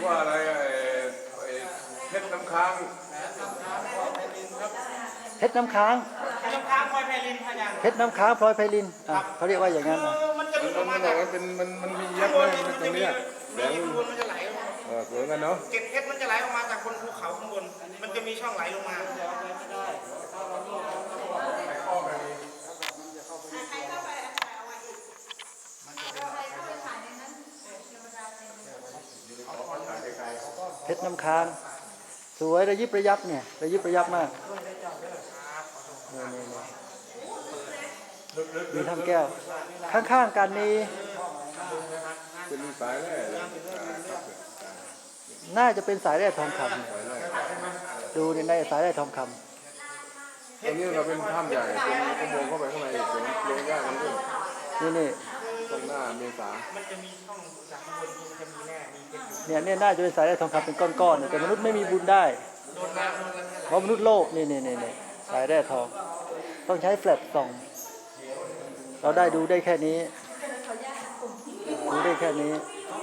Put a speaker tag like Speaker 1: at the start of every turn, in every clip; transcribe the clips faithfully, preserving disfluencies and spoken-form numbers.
Speaker 1: ว่าอะไรไอ้เพชรน้ำค้าง
Speaker 2: เพชรน้ำค้าง
Speaker 3: น้ำค้างพลอยไพลินพยาน
Speaker 2: เพชรน้ำค้างพลอยไพลินอ่ะเขาเรียกว่าอย่างนั้นอ่ะ
Speaker 3: มันจะหลุดออกมา
Speaker 1: มันบอกว่าเป็นมันมันมียับเลยตรงนี้แดง
Speaker 3: ข้างบนมันจะไหล
Speaker 1: เออสวยกันเนาะ
Speaker 3: เกล็ดเพชรมันจะไหลออกมาจากบนภูเขาข้างบนมันจะมีช่องไหลลงมา
Speaker 2: เพชรน้ำค้างสวยระยิบระยับเนี่ยระยิบระยับมากมีทำแก้วข้างๆกันนี้
Speaker 1: เป็นสายแร่
Speaker 2: น่าจะเป็นสายแร่ทองคำดูในในสายแร่ทองคำ
Speaker 1: ตรงนี้เราเป็นถ้ำใหญ่เป็นอุโมงค์เข้าไปข้างในสวนเลี้ยงย่ากันด้วย
Speaker 2: นี่นี่
Speaker 1: ตรงหน้าเมษา
Speaker 3: มันจะมีช่องจากข้างบนมันจะมีแร่มีเพชรอยู่
Speaker 2: เนี่ยเนี่ยน่าจะเป็นสายแร่ทองคำเป็นก้อนๆแต่มนุษย์ไม่มีบุญได้เพราะมนุษย์โลกนี่นี่นี่สายแร่ทองต้องใช้แฟลชส่องเราได้ดูได้แค่นี้ดูได้แค่นี้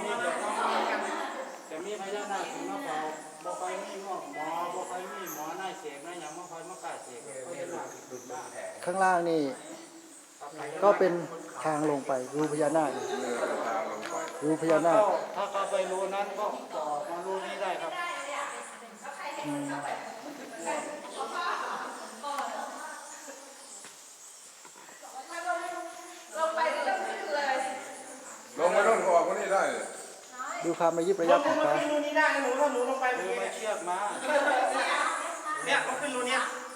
Speaker 4: จะมีพญานาคมาเฝ้าบ่ค่อยมีหมอหมอบ่ค่อยมีหมอหน้าเสกหน้าหยังบ่ค่อยมากล้าเสก
Speaker 2: ข้างล่างนี่ก็เป็นทางลงไปรูพญานาครูพญานาค
Speaker 4: ถ้าเข้าไปรูนั้นก็จะออกมารูนี้ได้ครับ
Speaker 1: ลงไปต้นก็ออกคนนี้ได้
Speaker 2: ดูความระยิบระยับของเขา
Speaker 3: ขึ้นรูนี้ได้หนูถ้าหนูลงไป
Speaker 4: ดูมาเชือกมา
Speaker 3: เนี่ยมันขึ้นรูนี้